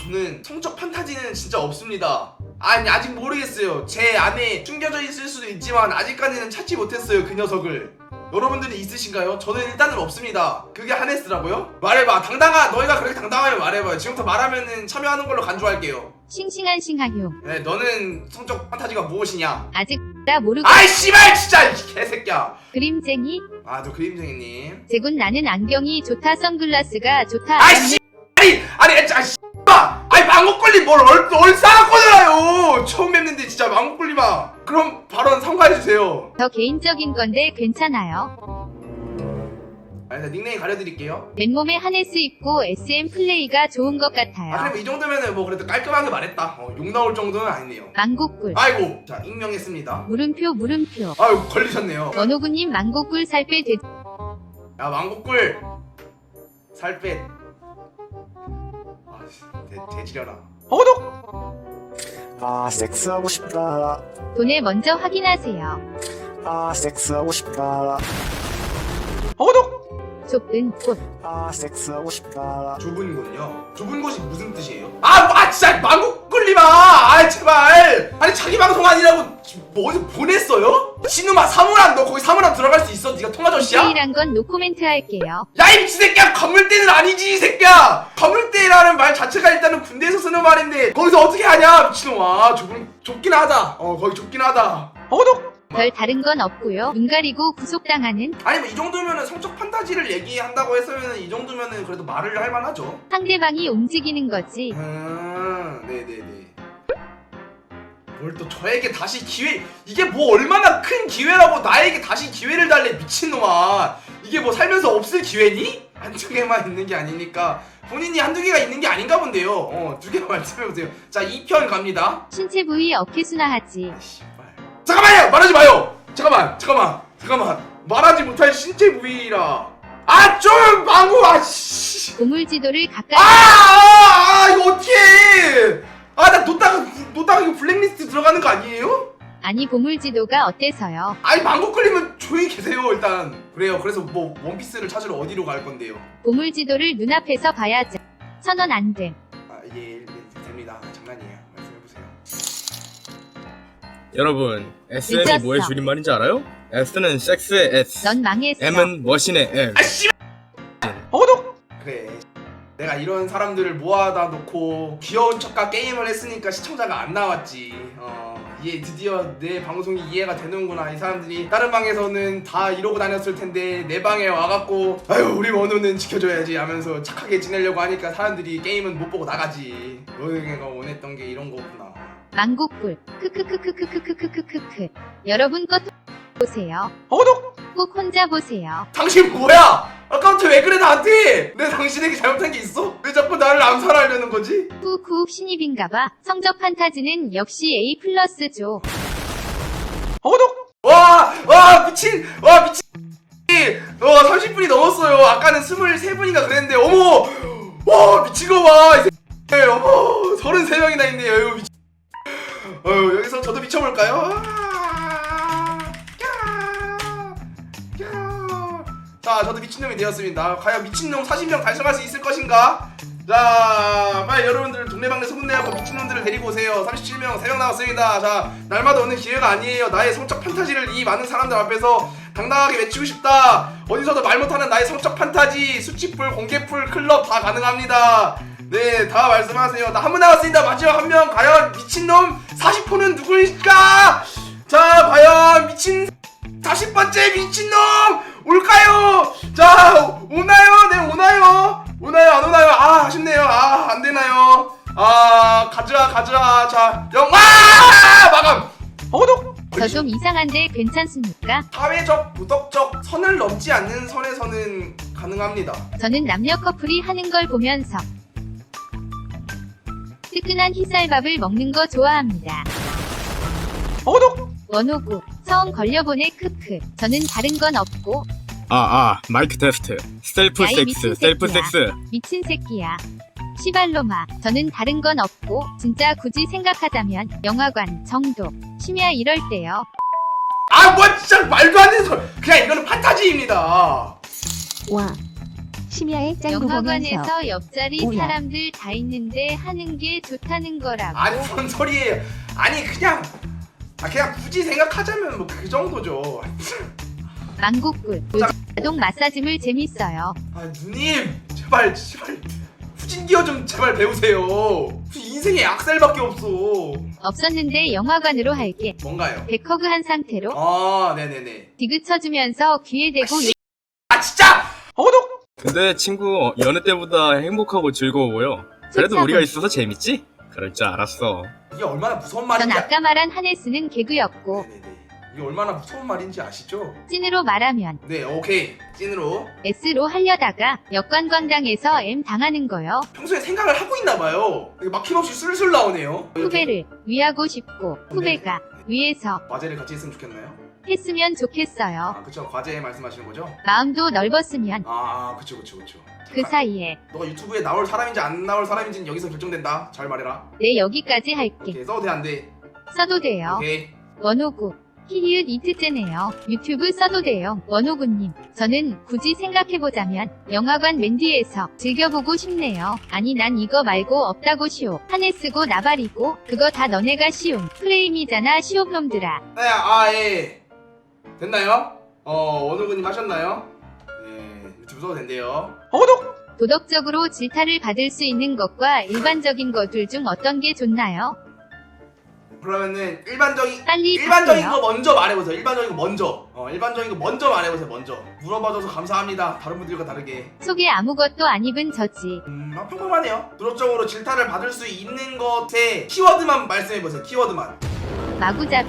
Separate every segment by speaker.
Speaker 1: 저는 성적 판타지는 진짜 없습니다. 아니 아직 모르겠어요. 제 안에 숨겨져 있을 수도 있지만 아직까지는 찾지 못했어요 그 녀석을. 여러분들이 있으신가요? 저는 일단은 없습니다. 그게 하네스라고요? 말해봐. 너희가 그렇게 당당하면 말해봐요. 지금부터 말하면은 참여하는 걸로 간주할게요.
Speaker 2: 싱싱한 싱하효.
Speaker 1: 네, 너는 성적 판타지가 무엇이냐?
Speaker 2: 아직 나 모르고.
Speaker 1: 아이 씨발 진짜 이 개새끼야.
Speaker 2: 그림쟁이.
Speaker 1: 아, 너 그림쟁이님.
Speaker 2: 제군 나는 안경이 좋다 선글라스가 좋다.
Speaker 1: 아이 씨. 아니 씨발. 아니 망고꿀님 뭘 얼싸갖고 들어요. 처음 뵙는데 진짜 망고꿀님아. 그럼 발언 삼가해주세요.
Speaker 2: 저 개인적인 건데 괜찮아요.
Speaker 1: 아니, 닉네임 가려드릴게요.
Speaker 2: 맨몸에 하네스 입고 SM 플레이가 좋은 것 같아요.
Speaker 1: 아, 그럼 이 정도면은 뭐 그래도 깔끔하게 말했다. 욕 나올 정도는 아니네요.
Speaker 2: 망고꿀.
Speaker 1: 아이고, 자, 익명했습니다.
Speaker 2: 물음표.
Speaker 1: 아이고, 걸리셨네요.
Speaker 2: 원호구님 망고꿀 살 빼 돼.
Speaker 1: 야, 망고꿀. 살 빼. 아, 대지려라.
Speaker 3: 아, 섹스하고 싶다.
Speaker 2: 돈에 먼저 확인하세요.
Speaker 3: 아, 섹스하고 싶다.
Speaker 2: 좁은 곳.
Speaker 3: 아, 섹스하고 싶다.
Speaker 1: 좁은 곳요? 좁은 곳이 무슨 뜻이에요? 진짜 망고꿀님아! 아, 제발! 아니, 자기 방송 아니라고 뭐 어디서 보냈어요? 신우마 사물함, 너 거기 사물함 들어갈 수 있어? 네가 통화저씨야?
Speaker 2: 디테일한 건 노코멘트 할게요.
Speaker 1: 야, 이 미친 새끼야! 건물대는 아니지, 이 새끼야! 건물대라는 말 자체가 일단은 군대에서 쓰는 말인데 거기서 어떻게 하냐, 미친놈아. 좁긴 하다. 거기 좁긴 하다.
Speaker 2: 별 다른 건 없고요. 눈 가리고 구속당하는.
Speaker 1: 아니, 뭐 이 정도면은 성적 판타지를 얘기한다고 했으면은 이 정도면은 그래도 말을 할 만하죠.
Speaker 2: 상대방이 움직이는 거지.
Speaker 1: 네네네. 뭘 또 저에게 다시 이게 뭐 얼마나 큰 기회라고 나에게 다시 기회를 달래, 미친놈아. 이게 뭐 살면서 없을 기회니? 한두 개만 있는 게 아니니까 본인이 한두 개가 있는 게 아닌가 본데요. 두 개 말씀해보세요. 자, 2편 갑니다.
Speaker 2: 신체 부위 어깨순화하지.
Speaker 1: 잠깐만요! 말하지 마요! 잠깐만. 말하지 못할 신체 부위라. 좀 망고, 씨.
Speaker 2: 보물지도를 가까이.
Speaker 1: 이거 어떡해! 나 놓다가 이거 블랙리스트 들어가는 거 아니에요?
Speaker 2: 아니 보물지도가 어때서요?
Speaker 1: 아니, 망고 끌리면 조용히 계세요, 일단. 그래요. 그래서 뭐, 원피스를 찾으러 어디로 갈 건데요?
Speaker 2: 보물지도를 눈앞에서 봐야죠. 1000원 안 돼.
Speaker 1: 예, 됩니다. 장난이에요. 말씀해보세요.
Speaker 4: 여러분, SM이
Speaker 2: 늦었어.
Speaker 4: 뭐의 줄임말인지 알아요? S는 섹스의 S,
Speaker 2: 넌 망했어.
Speaker 4: M은 머신의 M.
Speaker 1: 그래. 내가 이런 사람들을 모아다 놓고 귀여운 척과 게임을 했으니까 시청자가 안 나왔지. 드디어 내 방송이 이해가 되는구나. 이 사람들이 다른 방에서는 다 이러고 다녔을 텐데 내 방에 와갖고 아유, 우리 원우는 지켜줘야지 하면서 착하게 지내려고 하니까 사람들이 게임은 못 보고 나가지. 너희가 원했던 게 이런 거구나.
Speaker 2: 망고꿀. 크크크크크크크크크크. 여러분 것 보세요. 꼭 혼자 보세요.
Speaker 1: 당신 뭐야? 아까부터 왜 그래 나한테? 내가 당신에게 잘못한 게 있어? 왜 자꾸 나를 암살하려는 거지?
Speaker 2: 후쿠 신입인가봐. 성적 판타지는 역시 A+죠.
Speaker 1: 미친 30분이 넘었어요. 아까는 23분인가 그랬는데 어머, 와 미친 거 봐. 이 새끼. 어머, 33명이나 있네요. 이거 미친. 여기서 저도 미쳐볼까요? 자, 저도 미친놈이 되었습니다. 과연 미친놈 40명 달성할 수 있을 것인가? 자, 빨리 여러분들 동네방네 소문내고 미친놈들을 데리고 오세요. 37명, 3명 남았습니다. 자, 날마다 오는 기회가 아니에요. 나의 성적 판타지를 이 많은 사람들 앞에서 당당하게 외치고 싶다. 어디서도 말 못하는 나의 성적 판타지, 수치풀, 공개풀, 클럽 다 가능합니다. 네, 다 말씀하세요. 나 한 분 남았습니다. 마지막 한 명. 과연 미친놈 40호는 누구일까? 자, 과연 미친 40번째 미친놈 올까요? 자, 오나요? 네, 오나요? 안 오나요? 아쉽네요. 안되나요? 가자. 자, 마감!
Speaker 2: 저 좀 이상한데 괜찮습니까?
Speaker 1: 사회적, 도덕적 선을 넘지 않는 선에서는 가능합니다.
Speaker 2: 저는 남녀 커플이 하는 걸 보면서 뜨끈한 흰쌀밥을 먹는 거 좋아합니다. 원호구, 처음 걸려보네 크크. 저는 다른 건 없고.
Speaker 4: 마이크 테스트. 셀프
Speaker 2: 야이
Speaker 4: 섹스,
Speaker 2: 미친
Speaker 4: 셀프
Speaker 2: 새끼야.
Speaker 4: 섹스.
Speaker 2: 미친 새끼야. 시발로마. 저는 다른 건 없고 진짜 굳이 생각하자면 영화관 정도. 심야 이럴 때요.
Speaker 1: 진짜 말도 안 되는 소리. 그냥 이거는 판타지입니다.
Speaker 5: 와, 심야의 짱구 보면서
Speaker 2: 영화관에서 옆자리
Speaker 5: 뭐야?
Speaker 2: 사람들 다 있는데 하는 게 좋다는 거라고.
Speaker 1: 아니 뭔 소리예요? 아니 그냥 그냥 굳이 생각하자면 뭐 그 정도죠.
Speaker 2: 망고꿀. 요즘 자동 마사지물 재밌어요.
Speaker 1: 아 누님 제발 후진기어 좀 제발 배우세요. 무슨 인생에 악셀밖에 없어.
Speaker 2: 없었는데 영화관으로 할게.
Speaker 1: 뭔가요?
Speaker 2: 백허그 한 상태로
Speaker 1: 아 네네네.
Speaker 2: 디귿 쳐주면서 귀에 대고
Speaker 1: 아 진짜 어독.
Speaker 4: 근데 친구 여느 때보다 행복하고 즐거워요. 그래도 우리가 있어서 재밌지? 그럴 줄 알았어.
Speaker 1: 이게 얼마나 무서운
Speaker 2: 전
Speaker 1: 말인지.
Speaker 2: 아까 말한 하네스는 개그였고
Speaker 1: 네네네. 이게 얼마나 무서운 말인지 아시죠?
Speaker 2: 찐으로 말하면
Speaker 1: 네 오케이 찐으로.
Speaker 2: S로 하려다가 역관광당에서 M 당하는 거요.
Speaker 1: 평소에 생각을 하고 있나 봐요. 이게 막힘없이 술술 나오네요.
Speaker 2: 후배를 위하고 싶고 후배가 위에서
Speaker 1: 과제를 같이 했으면 좋겠나요?
Speaker 2: 했으면 좋겠어요.
Speaker 1: 아 그쵸 과제 말씀하시는 거죠?
Speaker 2: 마음도 넓었으면
Speaker 1: 아 그쵸.
Speaker 2: 그 사이에
Speaker 1: 너가 유튜브에 나올 사람인지 안 나올 사람인지는 여기서 결정된다. 잘 말해라.
Speaker 2: 내 여기까지 할게.
Speaker 1: 오케이 써도 돼 안 돼?
Speaker 2: 써도 돼요.
Speaker 1: 오케이.
Speaker 2: 원호구 히히읗 이트째네요. 유튜브 써도 돼요. 원호구님 저는 굳이 생각해보자면 영화관 맨 뒤에서 즐겨보고 싶네요. 아니 난 이거 말고 없다고 시오. 하네스고 나발이고 그거 다 너네가 시옴. 프레임이잖아 시옵놈들아.
Speaker 1: 네, 예. 됐나요? 원우구님 하셨나요? 네, 유튜브 써도 된대요.
Speaker 2: 도덕적으로 질타를 받을 수 있는 것과 일반적인 것들 중 어떤 게 좋나요?
Speaker 1: 그러면은 일반적인
Speaker 2: 빨리
Speaker 1: 거
Speaker 2: 답해요.
Speaker 1: 먼저 말해보세요. 일반적인 거 먼저 말해보세요. 먼저 물어봐줘서 감사합니다. 다른 분들과 다르게.
Speaker 2: 속에 아무것도 안 입은 저지.
Speaker 1: 평범하네요. 도덕적으로 질타를 받을 수 있는 것에 키워드만 말씀해보세요. 키워드만.
Speaker 2: 마구잡이.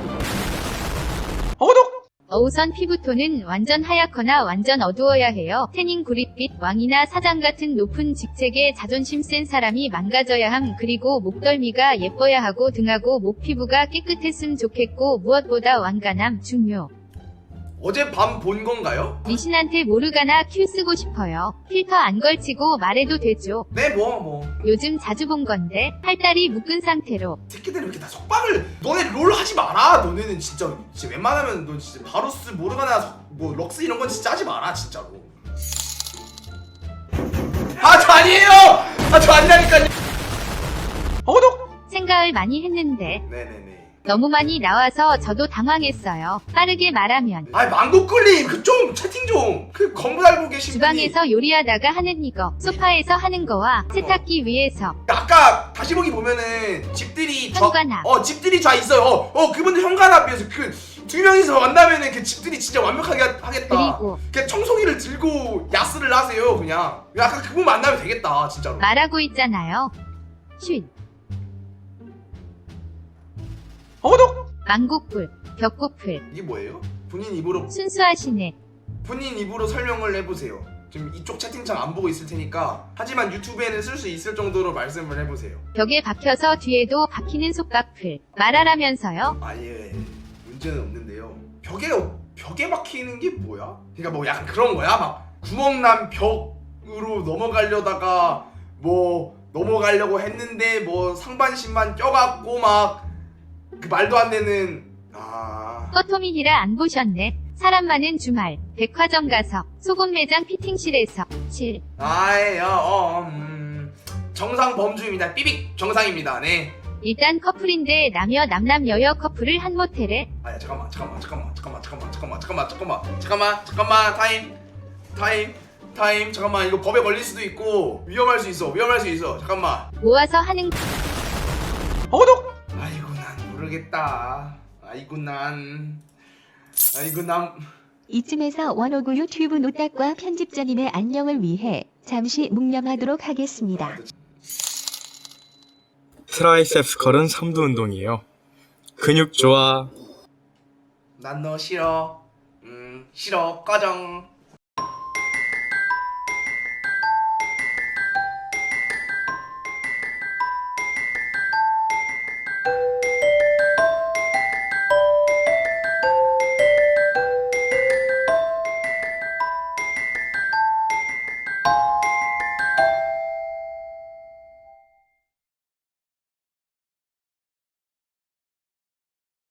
Speaker 2: 어우선 피부톤은 완전 하얗거나 완전 어두워야 해요. 태닝 구릿빛 왕이나 사장 같은 높은 직책에 자존심 센 사람이 망가져야 함. 그리고 목덜미가 예뻐야 하고 등하고 목 피부가 깨끗했음 좋겠고 무엇보다 완간함 중요.
Speaker 1: 어젯밤 본 건가요?
Speaker 2: 리신한테 모르가나 큐 쓰고 싶어요. 필터 안 걸치고 말해도 되죠.
Speaker 1: 네, 뭐.
Speaker 2: 요즘 자주 본 건데 팔다리 묶은 상태로
Speaker 1: 새끼들이 왜 이렇게 다 속박을. 너네 롤 하지 마라. 너네는 진짜 웬만하면 너 진짜 바루스 모르가나 뭐 럭스 이런 건 진짜 하지 마라 진짜로. 저 아니에요. 저 아니라니까요.
Speaker 2: 생각을 많이 했는데
Speaker 1: 네네네.
Speaker 2: 너무 많이 나와서 저도 당황했어요. 빠르게 말하면
Speaker 1: 망고꿀님 그 좀 채팅 좀. 그 건물 알고 계신 분이
Speaker 2: 주방에서 요리하다가 하는 이거, 소파에서 하는 거와 세탁기 위에서
Speaker 1: 아까 다시 보기 보면은 집들이
Speaker 2: 현관앞.
Speaker 1: 집들이 다 있어요. 그분들 현관앞이어서 그 두 명이서 만나면은 그 집들이 진짜 완벽하게 하겠다.
Speaker 2: 그리고
Speaker 1: 그냥 청소기를 들고 야스를 하세요. 그냥 약간 그분 만나면 되겠다 진짜로.
Speaker 2: 말하고 있잖아요. 쉿. 망고꿀, 벽고플,
Speaker 1: 이게 뭐예요? 본인 입으로
Speaker 2: 순수하시네.
Speaker 1: 설명을 해보세요. 지금 이쪽 채팅창 안 보고 있을 테니까. 하지만 유튜브에는 쓸 수 있을 정도로 말씀을 해보세요.
Speaker 2: 벽에 박혀서 뒤에도 박히는 속박플. 말하라면서요.
Speaker 1: 아예 문제는 없는데요. 벽에 박히는 게 뭐야? 그러니까 뭐 약간 그런 거야? 막 구멍난 벽으로 넘어가려다가 뭐 넘어가려고 했는데 뭐 상반신만 껴갖고 막 그 말도 안 되는.
Speaker 2: 꺼토미히라 안 보셨네. 사람 많은 주말, 백화점 가서, 소금 매장 피팅실에서, 칠.
Speaker 1: 정상 범주입니다. 삐빅 정상입니다. 네.
Speaker 2: 일단 커플인데 남여 남남 여여 커플을 한 모텔에
Speaker 1: 잠깐만 타임 잠깐만. 이거 법에 걸릴 수도 있고 위험할 수 있어. 잠깐만.
Speaker 2: 모아서 하는
Speaker 1: 아이고 난 모르겠다. 아이고 난
Speaker 5: 이쯤에서 원호구 유튜브 노딱과 편집자님의 안녕을 위해 잠시 묵념하도록 하겠습니다.
Speaker 4: 트라이셉스 걸은 3두 운동이에요. 근육 좋아.
Speaker 1: 난 너 싫어. 싫어 꺼정.